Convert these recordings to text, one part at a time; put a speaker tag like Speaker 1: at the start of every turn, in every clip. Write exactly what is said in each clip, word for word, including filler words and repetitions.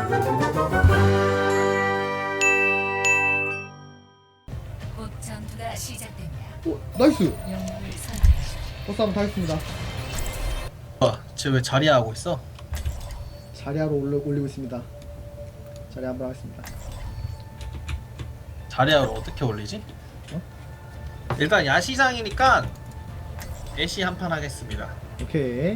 Speaker 1: 곧 전투가 시작됩니다.
Speaker 2: 오 나이스.
Speaker 1: 영웅을 선택하십시오.
Speaker 2: 버스 한번 타겠습니다.
Speaker 3: 어, 쟤왜 자리야 하고 있어?
Speaker 2: 자리하러 올려, 올리고 있습니다. 자리 한번 하겠습니다.
Speaker 3: 자리야를 어떻게 올리지?
Speaker 2: 어?
Speaker 3: 일단 야시장이니까 애쉬 한 판 하겠습니다.
Speaker 2: 오케이.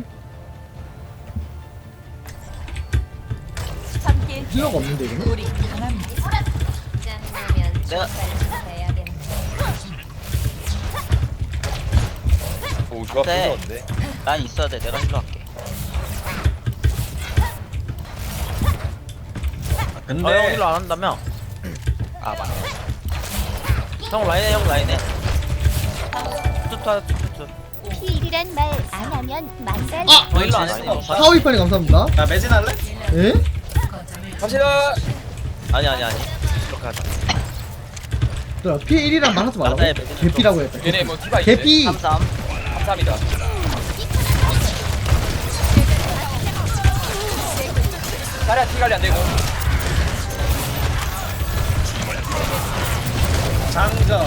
Speaker 1: 함께
Speaker 2: 힐러가 없는데 이거는?
Speaker 1: 우리 강합니다. 짱나면
Speaker 4: 내가-
Speaker 1: 해야 되는
Speaker 5: 오 조합
Speaker 4: 네.
Speaker 5: 부러운데.
Speaker 4: 난 있어야 돼. 내가 힐러 할게.
Speaker 3: 아, 근데
Speaker 4: 아, 형 힐러 안 한다며? 아, 맞네. 형 라인해, 형 라인해. 툭툭, 툭툭.
Speaker 6: 필이란 말 안 하면 만살.
Speaker 2: 아!
Speaker 4: 너 힐러 안 했어?
Speaker 2: 사오이판이 감사합니다.
Speaker 3: 나 매진 할래?
Speaker 2: 예?
Speaker 1: 거점을
Speaker 5: 갑시다.
Speaker 4: 아니, 아니, 아니. 이렇게 하자.
Speaker 2: 얘들아 피 일이란 말 하지 말라고.
Speaker 4: 나의 매듭은
Speaker 2: 개피라고 했다.
Speaker 5: 얘네 뭐 디바 있네.
Speaker 2: 개피!
Speaker 4: 삼삼.
Speaker 5: 감사합니다. 자리야 티 관리 안 되고.
Speaker 3: 장전.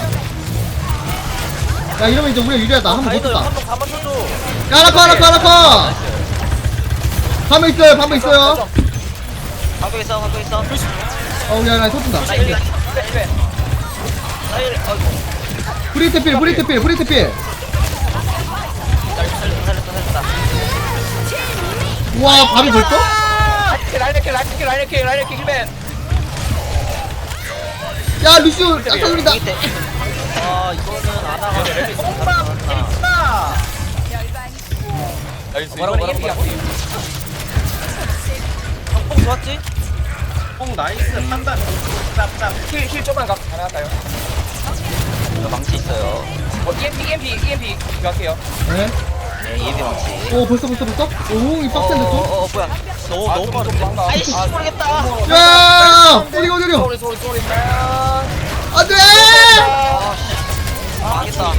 Speaker 2: 야 이러면 이제 우리가 유리하다. 한번
Speaker 4: 아이돌
Speaker 2: 못했다.
Speaker 4: 한번 가만 쳐줘.
Speaker 2: 야 하나커 하나커 하나커! 밤에 있어요 밤에 있어요.
Speaker 4: 방금 있어, 방금 있어.
Speaker 2: 어 야 나 터진다.
Speaker 4: 나 힐, 나
Speaker 5: 힐베 힐베.
Speaker 4: 힐. 아이고.
Speaker 2: 브리트필 브리트필 브리트필.
Speaker 4: 살렸다, 살렸다, 살렸다.
Speaker 2: 우와 밤이 벌써?
Speaker 5: 라이네케 라이네케 라이네케 라이네케 힐벤.
Speaker 2: 야 루시오 딱 돌린다.
Speaker 4: 밑에. 아, 이거는 안 하고.
Speaker 3: 나
Speaker 5: 나이스.
Speaker 4: 뭐라고,
Speaker 5: 이번에
Speaker 4: 뭐라고,
Speaker 5: EMP
Speaker 4: 뭐라고?
Speaker 5: 할게.
Speaker 4: 뽕 좋았지?
Speaker 3: 뽕 나이스 판단. 짭짭.
Speaker 5: 힐힐 좀만 가 가능할까요?
Speaker 4: 저 망치 있어요.
Speaker 5: 어 이엠피 이엠피 이엠피 갈게요.
Speaker 2: 네.
Speaker 4: 네, 예비 망치.
Speaker 2: 오 벌써 벌써 벌써? 오이 빡센데
Speaker 4: 어,
Speaker 2: 또?
Speaker 4: 어, 어, 뭐야. 너무,
Speaker 5: 아,
Speaker 4: 너무
Speaker 5: 좀,
Speaker 4: 빠른데.
Speaker 5: 좀 도망가.
Speaker 4: 아이씨,
Speaker 5: 아,
Speaker 4: 모르겠다.
Speaker 2: 야 어디가 어디가?
Speaker 5: 소리 소리 소리 맨.
Speaker 2: 안돼!
Speaker 4: 아, 씨. 망했다.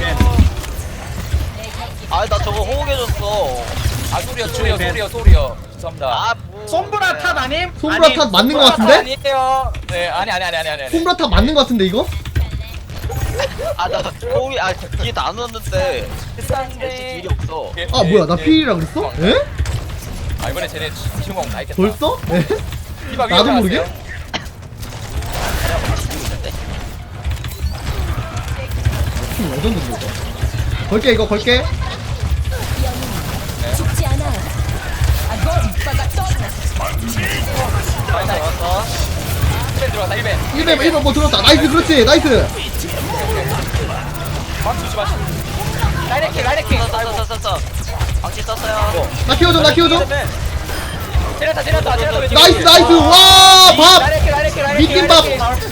Speaker 4: 아, 나 저거 호응해줬어.
Speaker 5: 아 소리요 소리요 소리요 소리요. 죄송합니다.
Speaker 4: 아, 뭐.
Speaker 3: 솜브라 탑 아님?
Speaker 2: 솜브라
Speaker 3: 아님.
Speaker 2: 탑 맞는 거
Speaker 5: 아,
Speaker 2: 같은데?
Speaker 5: 아니에요. 네 아니 아니 아니 아니 아니.
Speaker 2: 솜브라 탑 맞는 거 같은데 이거?
Speaker 4: 아, 나 호응이, 아, 뒤에 나눴는데. 엘씨
Speaker 5: 비싼데.
Speaker 4: 딜이 없어.
Speaker 2: 아 뭐야 나 피일이라 그랬어? 에?
Speaker 5: 아 이번에 쟤네 지금 다 있겠다.
Speaker 2: 벌써? 에?
Speaker 5: 디바 위에
Speaker 2: 나도 모르게?
Speaker 5: 올라갔어요.
Speaker 2: 팀 레전드인데 이거. 걸게 이거 걸게.
Speaker 1: 죽지 않아요.
Speaker 4: 왔어, 왔어.
Speaker 5: 힐벤 들어왔다 힐벤.
Speaker 2: 일 배 일 배 뭐 들었다. 나이스 그렇지 나이스.
Speaker 5: 막 주지 마시. 라이네킹 라이네킹.
Speaker 4: 썼어, 썼어, 썼어. 방치 썼어요.
Speaker 2: 나 키워줘 나 키워줘.
Speaker 5: 때렸다 때렸다 때렸다. 왼쪽.
Speaker 2: 나이스 나이스 와 밥.
Speaker 5: 라이네킹 라이네킹 라이네킹.
Speaker 2: 미팅밥.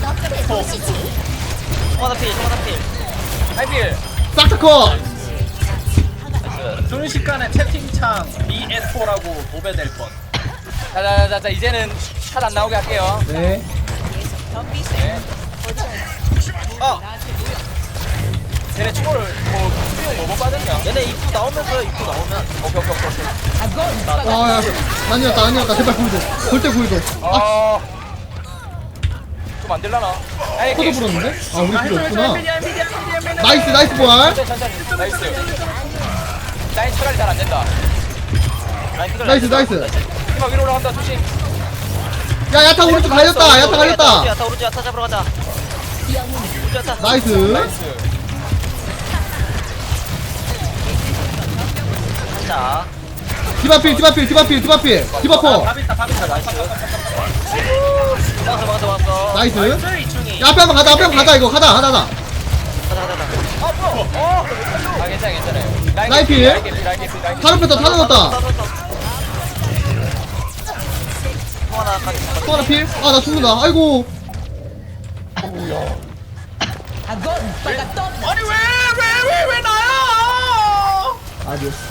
Speaker 4: 소마다필, 소마다필.
Speaker 5: 라이필.
Speaker 2: 싹다커.
Speaker 4: 나이스.
Speaker 3: 순식간에 채팅창 비 에스 포라고 도배될 뻔.
Speaker 5: 자자자자 이제는 샷 안 나오게 할게요.
Speaker 2: 네.
Speaker 5: 네.
Speaker 4: 아,
Speaker 5: 쟤네 초를 뭐 수용 뭐못 받았냐?
Speaker 4: 얘네 입구 나오면서 입구 나오면.
Speaker 5: 오케이 오케이 오케이.
Speaker 2: 와야 아니었다 아니었다 제발 구이도 절대 구이도. 아
Speaker 5: 아. 좀 안 될라나?
Speaker 2: 코도
Speaker 5: 라이네킹.
Speaker 2: 불었는데? 아 우리
Speaker 3: 아,
Speaker 2: 필요
Speaker 3: 해줘, 해줘,
Speaker 2: 없구나.
Speaker 3: 엔비디아, 엔비디아, 엔비디아, 엔비디아.
Speaker 2: 나이스 나이스 보알.
Speaker 5: 천천히 천천히. 나이스. 라인 처리이 잘 안 된다.
Speaker 4: 라인 피글,
Speaker 2: 나이스,
Speaker 4: 라인 피글,
Speaker 2: 나이스.
Speaker 5: 디바 위로 올라간다 조심.
Speaker 2: 야 야타 오른쪽 갈렸다 야타 갈렸다.
Speaker 4: 야타 오른쪽 야타 잡으러 가자. 오른쪽 야타.
Speaker 2: 나이스.
Speaker 5: 나이스.
Speaker 4: 자,
Speaker 2: 디바필 디바필 디바필 디바필 디바퍼.
Speaker 3: 밥 있다 밥 있다.
Speaker 4: 나이스. 막았어, 막았어, 막았어.
Speaker 2: 나이스.
Speaker 3: 나이스 이충이.
Speaker 2: 야 앞에 한번 가자 앞에 한번 가자 이거 가자 가자 가자.
Speaker 4: 가자, 가자, 가자.
Speaker 5: 아 뭐? 어. 아 괜찮아 괜찮아요. 라인
Speaker 2: 라인
Speaker 5: 개피,
Speaker 2: 필?
Speaker 5: 라인 개피, 라인 개피, 라인 개피.
Speaker 2: 다른 패터 다 넣었다.
Speaker 4: 통 하나까지.
Speaker 2: 또 하나 필. 아 나 죽는다. 아이고.
Speaker 3: 아니 왜 왜 왜 왜 나야?
Speaker 2: 아디오스.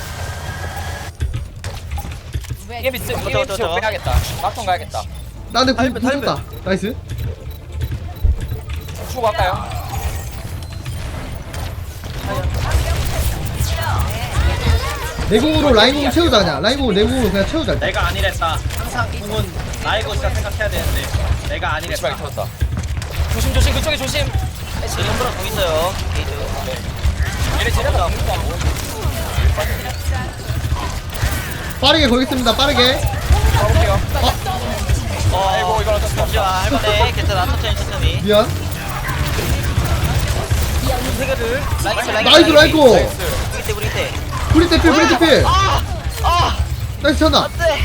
Speaker 5: 이엠피 쓰
Speaker 4: 저거,
Speaker 5: 이엠피
Speaker 4: 저거,
Speaker 5: 쓰고
Speaker 4: 저거.
Speaker 5: 빼야겠다. 막통 가야겠다.
Speaker 2: 나 근데
Speaker 4: 탈배,
Speaker 2: 구 죽었다. 나이스.
Speaker 5: 주고 갈까요?
Speaker 2: 내공으로 라인공 채우자 그냥. 라인공 내공으로 그냥 채우자. 일단.
Speaker 3: 내가 아니랬다. 항상 궁은 나이고 진짜 생각해야 되는데 내가 아니랬다.
Speaker 5: 심하게 터졌다. 조심 조심 그쪽에 조심.
Speaker 7: 지금 홈브라 공 있어요. 게이드.
Speaker 5: 얘네 쟤네가 아무것도 안 보여.
Speaker 2: 빠르게 걸겠습니다. 빠르게.
Speaker 5: 가볼게요.
Speaker 7: 어,
Speaker 5: 아이고 이걸 어쩔 수 없어.
Speaker 7: 아, 할만해. 괜찮아. 천천히 천천히.
Speaker 2: 미안.
Speaker 7: 세 개를. 라이트 라이트.
Speaker 2: 나이스 라이코.
Speaker 5: 나이스.
Speaker 7: 우리 때 우리 때.
Speaker 2: 브리테 필 브리테 필.
Speaker 7: 아! 아!
Speaker 2: 나이스 찬다.
Speaker 7: 안돼.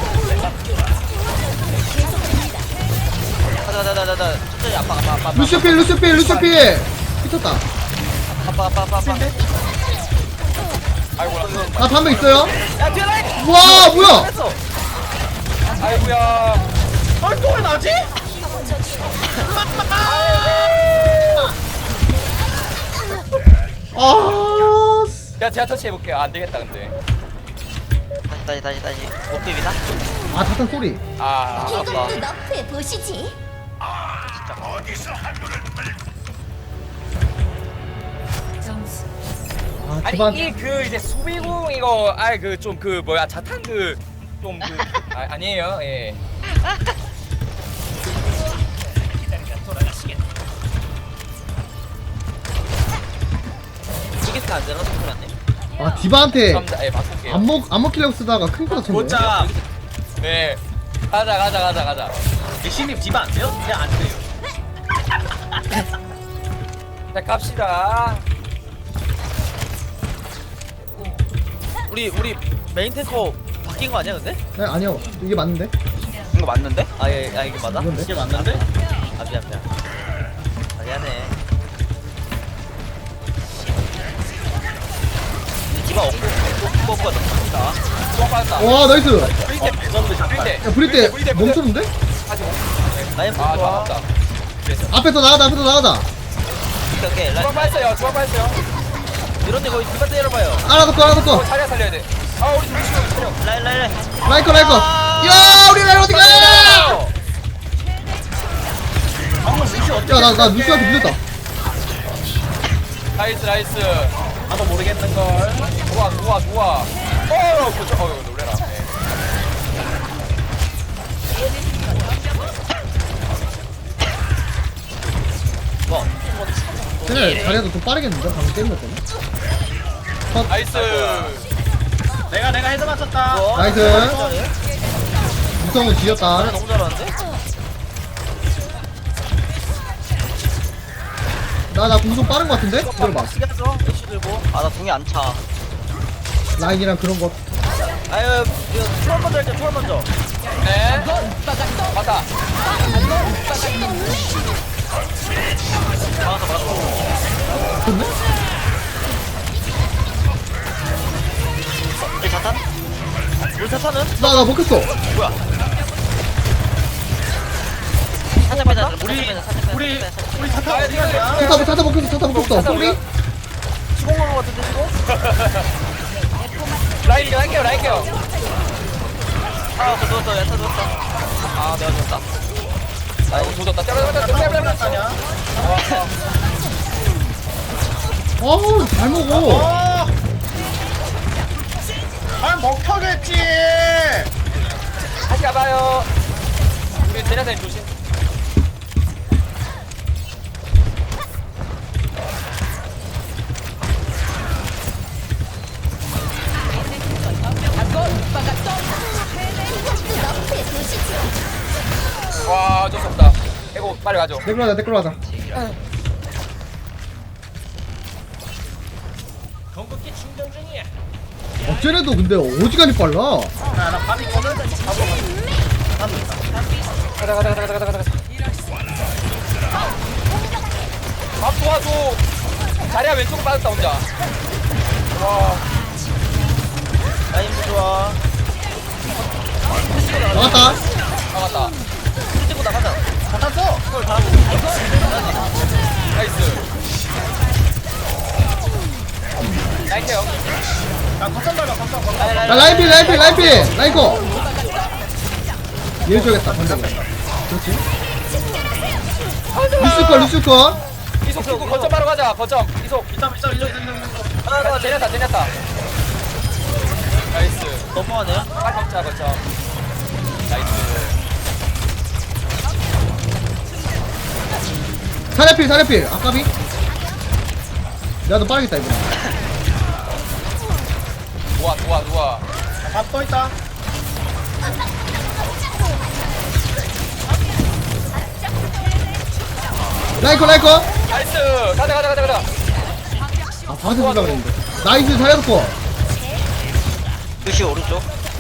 Speaker 7: 가자 가자 가자 가자. 천천히 아빠 아빠 아빠.
Speaker 2: 루시오 필 루시오 필 루시오 필. 미쳤다.
Speaker 7: 아빠 아빠 아빠 아빠.
Speaker 5: 아이고 나.
Speaker 2: 나 반면 있어요.
Speaker 7: 야 뒤에 라이트.
Speaker 2: 와 뭐야?
Speaker 7: 했어.
Speaker 5: 아이고야.
Speaker 3: 아, 또왜 나지?
Speaker 2: 아.
Speaker 5: 야 제가 터치 해볼게. 아, 안 되겠다 근데.
Speaker 7: 다시 다시 다시 다시. 못 비비나?
Speaker 2: 아 자탄 소리.
Speaker 5: 아.
Speaker 7: 아빠.
Speaker 6: 너프해 보시지.
Speaker 1: 점수
Speaker 2: 아
Speaker 5: 아니
Speaker 2: 기반.
Speaker 5: 이 그 이제 수비공 이거 아이 그 좀 그 뭐야 자탄 그 좀 그 아, 아니에요. 예.
Speaker 7: 이게 안 되나? 소리 안 돼.
Speaker 2: 아 디바한테
Speaker 5: 감사합니다. 예, 바꿀게요.
Speaker 2: 안 먹 안 먹히려고 쓰다가 큰 거다 쳤네.
Speaker 3: 보자.
Speaker 5: 네. 가자 가자 가자 가자.
Speaker 3: 신입 디바 안 돼요? 그냥 안 돼요.
Speaker 5: 자 갑시다.
Speaker 7: 우리 우리 메인 탱커 바뀐 거 아니야 근데?
Speaker 2: 네 아니요 이게 맞는데.
Speaker 7: 이거 맞는데? 아, 예, 아 이게 맞아?
Speaker 2: 이건데?
Speaker 3: 이게 맞는데?
Speaker 7: 아 미안 미안. 아 미안해. 디바 없고 없고 없고 없다.
Speaker 5: 좋아 빠졌다.
Speaker 2: 와 나이스.
Speaker 5: 브리테
Speaker 3: 레전드 잠깐.
Speaker 5: 브리테.
Speaker 2: 야 브리테
Speaker 5: 브리테, 브리테.
Speaker 2: 멈췄는데?
Speaker 5: 다시
Speaker 7: 라인
Speaker 5: 아
Speaker 7: 좋아.
Speaker 5: 좋았다.
Speaker 2: 앞에서 나가자 앞에서 나가자.
Speaker 7: 오케이 오케이. 라인
Speaker 5: 주방 빠졌어요. 주방 빠졌어요.
Speaker 7: 이런 데 거의 디바 때려봐요.
Speaker 2: 알아듣고 알아듣고.
Speaker 5: 어 자리야 살려야 돼. 아 우리 둘이 치워 치워.
Speaker 7: 라인 라인 라인.
Speaker 2: 라이커 라이커. 야 우리 라이 어디가?
Speaker 3: 방금 루시 어떻게
Speaker 2: 야나 나 루시한테 밀렸다.
Speaker 5: 나이스 나이스.
Speaker 3: 나도 모르겠는 걸.
Speaker 5: 좋아 좋아 좋아. 어 그쵸. 어 놀래라. 네.
Speaker 7: 뭐?
Speaker 2: 쟤네 자리도 좀 빠르겠는데 방금 게임 났더니.
Speaker 5: 나이스.
Speaker 3: 내가 내가 헤드 맞췄다.
Speaker 7: 뭐?
Speaker 2: 나이스.
Speaker 7: 잘해?
Speaker 2: 무성은 지렸다.
Speaker 7: 잘해 너무 잘하는데?
Speaker 2: 나나 공속 빠른 거 같은데? 들어봐.
Speaker 7: 쓰게 하죠. 애쉬 들고. 아 나 동이 안 차.
Speaker 2: 라인이랑 그런 거.
Speaker 7: 아유 이거 초월 먼저 할게 초월 먼저.
Speaker 5: 네. 맞다.
Speaker 7: 막았어 막았어.
Speaker 2: 좋네?
Speaker 7: 이 자탄? 우리 자탄은?
Speaker 2: 나나 먹혔어.
Speaker 7: 뭐야? 살짝 빼자.
Speaker 3: 우리
Speaker 7: 살짝 빼자.
Speaker 3: 우리
Speaker 7: 살짝 빼자.
Speaker 3: 우리 차타 어디 가냐?
Speaker 2: 차타 차타 먹혔어 차타 먹혔어. 소리?
Speaker 7: 시공 간거 같은데 시공?
Speaker 5: 라인 라인 케어 라인 케어.
Speaker 7: 아 그거 누웠어 야타 누웠어. 아 내가 누웠다.
Speaker 5: 아이고 조졌다. 때려버렸다. 때려버렸다.
Speaker 3: 가냐?
Speaker 2: 어우 잘 먹어.
Speaker 3: 어. 아 먹혀겠지.
Speaker 5: 다시 가봐요. 우리 제냐사님 조심. 와 어쩔 수 없다. 이거 빨리 가죠.
Speaker 2: 댓글 하자 댓글 하자. 어, 쟤네도 근데 어지간히 빨라.
Speaker 3: 야나 밥 있거든. 밥 먹어. 밥 있다.
Speaker 5: 가자 가자 가자 가자 가자 가자. 밥 도와줘. 자리야 왼쪽으로 빠졌다 혼자. 와.
Speaker 7: 라인도 좋아.
Speaker 2: 나갔다.
Speaker 5: 나갔다.
Speaker 7: 찍고 나가자.
Speaker 3: 차타 써.
Speaker 7: 그걸 다.
Speaker 5: 나이스. 나이스 형.
Speaker 3: 야 거점 밟아 거점 거점.
Speaker 7: 라인
Speaker 2: 야
Speaker 7: 라인.
Speaker 2: 라인필 라인필 라인필 라이커. 얘 줘야겠다 반대. 그렇지. 루시컷 루시컷.
Speaker 5: 이속 찍고 거점 바로 가자. 거점. 이속.
Speaker 3: 이점 이점 이점 이점 이점.
Speaker 5: 아, 제냐타 제냐타. 나이스.
Speaker 7: 너무하네.
Speaker 5: 빨리 먹자 거점. 나이스.
Speaker 2: 사례필 사례필 아까비 내가 더 빠르겠다 이거
Speaker 5: 좋아 좋아 좋아.
Speaker 3: 밥 또 있다.
Speaker 2: 라이커 라이커
Speaker 5: 나이스. 가자 가자 가자 가자.
Speaker 2: 아 방세 주려고 그랬는데 나이스 살려놓고
Speaker 7: 루시 오른쪽.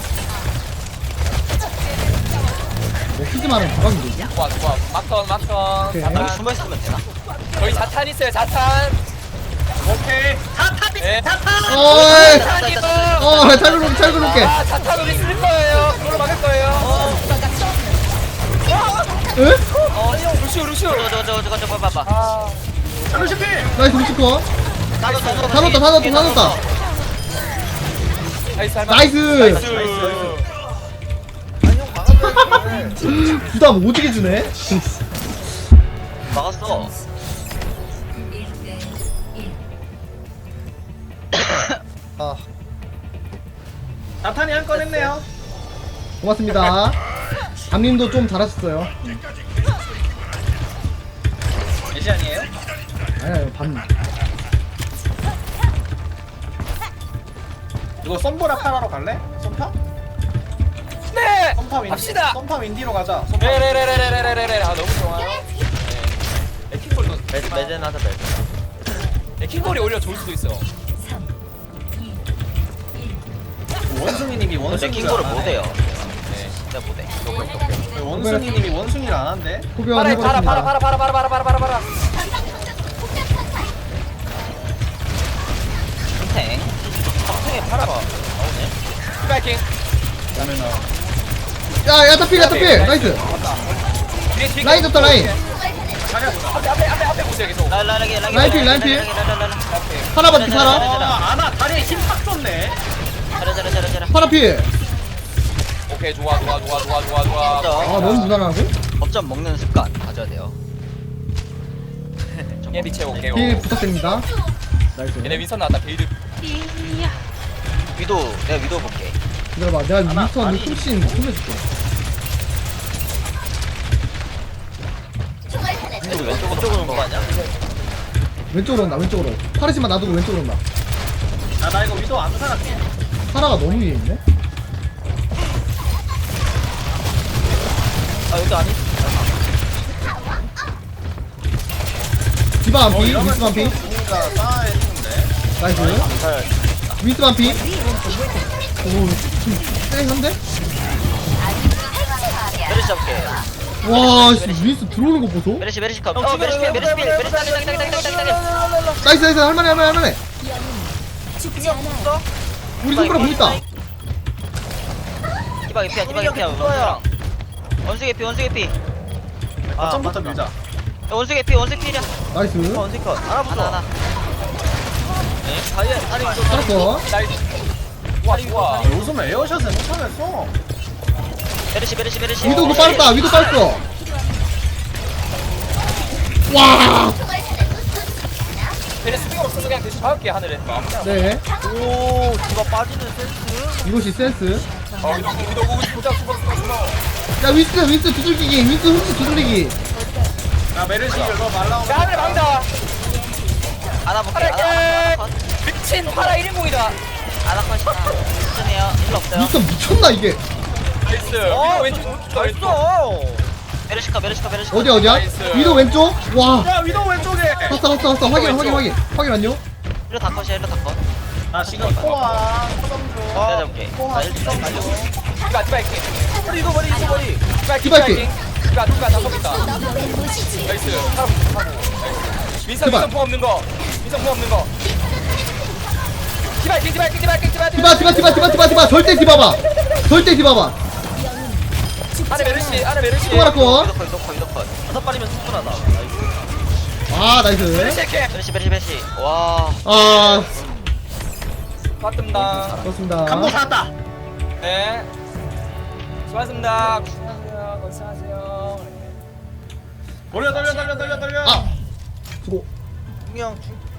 Speaker 2: 뭐 키즈만은 대박인데
Speaker 5: 좋아 좋아. 막턴 막턴.
Speaker 2: 오케이.
Speaker 7: 아, 여기
Speaker 5: 자탄.
Speaker 7: 숨어 있으면 되나?
Speaker 5: 저희 자탄 있어요 자탄.
Speaker 3: 오케이. 자탄이
Speaker 5: 네.
Speaker 3: 자탄.
Speaker 2: 어이
Speaker 5: 자탄이고.
Speaker 2: 어 찰그룹 찰그룹게
Speaker 5: 아 자탄 우리 쓸 거예요. 그걸로 막을 거예요.
Speaker 2: 응?
Speaker 5: 어 형 루시오 루시오.
Speaker 7: 저거 저거 저거 저거 봐봐.
Speaker 5: 아
Speaker 3: 루시피.
Speaker 2: 나이스 미치코
Speaker 7: 다 넣었다
Speaker 2: 다 넣었다 다 넣었다 다 넣었다
Speaker 5: 나이스 할만.
Speaker 2: 나이스
Speaker 5: 나이스.
Speaker 2: 부담 오지게 주네
Speaker 7: 막았어.
Speaker 1: 일 대 일.
Speaker 7: 아.
Speaker 3: 자탄이 한 건 했네요.
Speaker 2: 고맙습니다 담님도 좀 잘하셨어요
Speaker 3: 예시 아니에요?
Speaker 2: 아니야 밤
Speaker 3: 이거 썸보라 카라로 갈래? 썸파?
Speaker 5: 네.
Speaker 3: 썸파 윈디.
Speaker 5: 갑시다.
Speaker 3: 썸파 윈디로 가자. 썸파.
Speaker 5: 레레레레레레레레. 아 너무 좋아. 네. 에킹볼도
Speaker 7: 매드 매드 나서 매드.
Speaker 5: 에킹볼이 오히려 좋을 수도 있어.
Speaker 1: 삼, 이,
Speaker 3: 원숭이님이
Speaker 7: 근데
Speaker 3: 원숭이
Speaker 7: 킹거를 못해요.
Speaker 5: 네.
Speaker 7: 진짜 못해.
Speaker 3: 원숭이님이 원숭이를 안 한대.
Speaker 2: 후변
Speaker 5: 파라 파라 파라
Speaker 2: 해보겠습니다
Speaker 5: 파라 파라 파라 파라 파라 파라 파라.
Speaker 7: 탱. 탱에 팔아봐. 나오네.
Speaker 5: 스파이킹.
Speaker 3: 그러면은
Speaker 2: 야 야타필 야타필 나이스
Speaker 5: 뒤에 뒤에.
Speaker 2: 라인 줬다 라인
Speaker 3: 자리야 보자.
Speaker 5: 앞에 앞에 앞에 앞에 보세요 계속.
Speaker 7: 라인 라인 라인 라인
Speaker 2: 라인필, 라인필. 파라 받기 파라
Speaker 3: 아, 아나 다리에 힘팍 줬네.
Speaker 7: 잘해 잘해 잘해 잘해.
Speaker 2: 파라필
Speaker 5: 오케이 좋아 좋아 좋아 좋아 좋아 좋아.
Speaker 2: 아 너무 무난하고
Speaker 7: 법점 먹는 습관 가져야 돼요.
Speaker 5: 예비 채울게요.
Speaker 2: 힐 부탁드립니다 나이스
Speaker 5: 얘네 윈선 나왔다 빌드.
Speaker 7: 위도 내가 위도 볼게.
Speaker 2: 기다려봐 내가
Speaker 3: 하나,
Speaker 2: 윈스턴
Speaker 3: 아니.
Speaker 2: 훔친 훔쳐줄게
Speaker 7: 위도 왼쪽으로 쪽으로 온거 아니야?
Speaker 2: 왼쪽으로 온다 왼쪽으로 파르시만 놔두고 왼쪽으로 온다
Speaker 3: 아, 나 이거 위도 안 살았지.
Speaker 2: 파라가 너무 위에 있네
Speaker 7: 아 여기 아니?
Speaker 2: 디바
Speaker 3: 어,
Speaker 2: 한피
Speaker 3: 이러면
Speaker 2: 윈스 한피
Speaker 3: 뭔가 싸했는데.
Speaker 2: 나이스
Speaker 7: 잘.
Speaker 2: 윈스 한피 오좀 쎄한데?
Speaker 7: 메르시 잡게.
Speaker 2: 와 씨, 윈스 들어오는 거 보소
Speaker 7: 메르시 메르시 컵. 어 메르시 메르시 메르시 메르시 땅 땅 땅 땅 땅 땅.
Speaker 2: 나이스 나이스 할만해 할만해 할만해
Speaker 6: 죽지 않아요.
Speaker 2: 우리 손가락 뭐 있다
Speaker 7: 기박이 피야 기박이 피야. 원수랑. 원수 개피 원수 개피. 아
Speaker 3: 점부터 밀자.
Speaker 7: 원수 개피 원수 피야.
Speaker 2: 나이스
Speaker 7: 원수 컷. 하나 하나. 네. 다리 다리 위도
Speaker 2: 살았어
Speaker 5: 나이스. 좋아 좋아.
Speaker 3: 요즘 에어샷을 못하겠어.
Speaker 7: 메르시 메르시 메르시.
Speaker 2: 위도 그거 빠졌다 위도 빠졌어 와
Speaker 5: 얘네 스피커 없어서 그냥 대신 박을게 하늘에. 아무나.
Speaker 2: 네
Speaker 7: 오 디바 빠지는 센스.
Speaker 2: 이것이 센스
Speaker 5: 어 위도 위도 위도 보자 수박 수박 수박.
Speaker 2: 야 윈스 윈스 두들기기 윈스 훔치 두들기기
Speaker 3: 야, 메르시 이거 말라오면.
Speaker 5: 야 하늘에 막다.
Speaker 7: 하나 볼게.
Speaker 5: 파라
Speaker 7: 하나 컷.
Speaker 5: 미친 파라 일 인공이다.
Speaker 7: 하나 컷이다. 천천히요. 일 없어요.
Speaker 2: 윈스 미쳤나 이게
Speaker 5: 나이스.
Speaker 7: 어,
Speaker 5: 위도 왼쪽 왼쪽.
Speaker 7: 메르시 컷 메르시 컷 메르시 컷.
Speaker 2: 어디 어디야?
Speaker 5: 나이스.
Speaker 2: 위도 왼쪽? 와
Speaker 3: 야, 위도 왼쪽에.
Speaker 2: 왔어 왔어 왔어 확인 확인 확인 확인 안녕
Speaker 7: 일로 다 컷이야 일로 다 컷.
Speaker 3: 나 지금 코아 초점 줘.
Speaker 7: 내가 잡을게.
Speaker 3: 코아
Speaker 7: 나 일 점
Speaker 3: 초점 줘.
Speaker 5: 디바 디바이킹.
Speaker 7: 이거 머리 이거 머리.
Speaker 5: 디바이킹.
Speaker 2: 디바이킹.
Speaker 5: 디바 디바 다 섭니다. 나이스. 하고 하고. 나이스. 민선
Speaker 2: 디바.
Speaker 5: 민선 품 없는 거. 민선 품 없는 거. 디바이킹 디바이킹 디바이킹 디바
Speaker 2: 디바 디바 디바 디바 디바 디바 절대 디바봐 절대 디바봐
Speaker 5: 안에 메르시 안에 메르시.
Speaker 2: 통화라고
Speaker 7: 이거 컷 이거 컷 이거 컷. 다섯 발이면 충분하다.
Speaker 2: 아
Speaker 5: 메르시
Speaker 2: 나이스
Speaker 5: 이렇게.
Speaker 7: 메르시 메르시 메르시. 와.
Speaker 2: 아
Speaker 5: 맞습니다.
Speaker 2: 좋습니다
Speaker 3: 감독 살았다.
Speaker 5: 네. 수고하셨습니다. 수고하세요. 고생하세요.
Speaker 3: 돌려 돌려 돌려 돌려 돌려.
Speaker 2: 아 수고
Speaker 7: 분명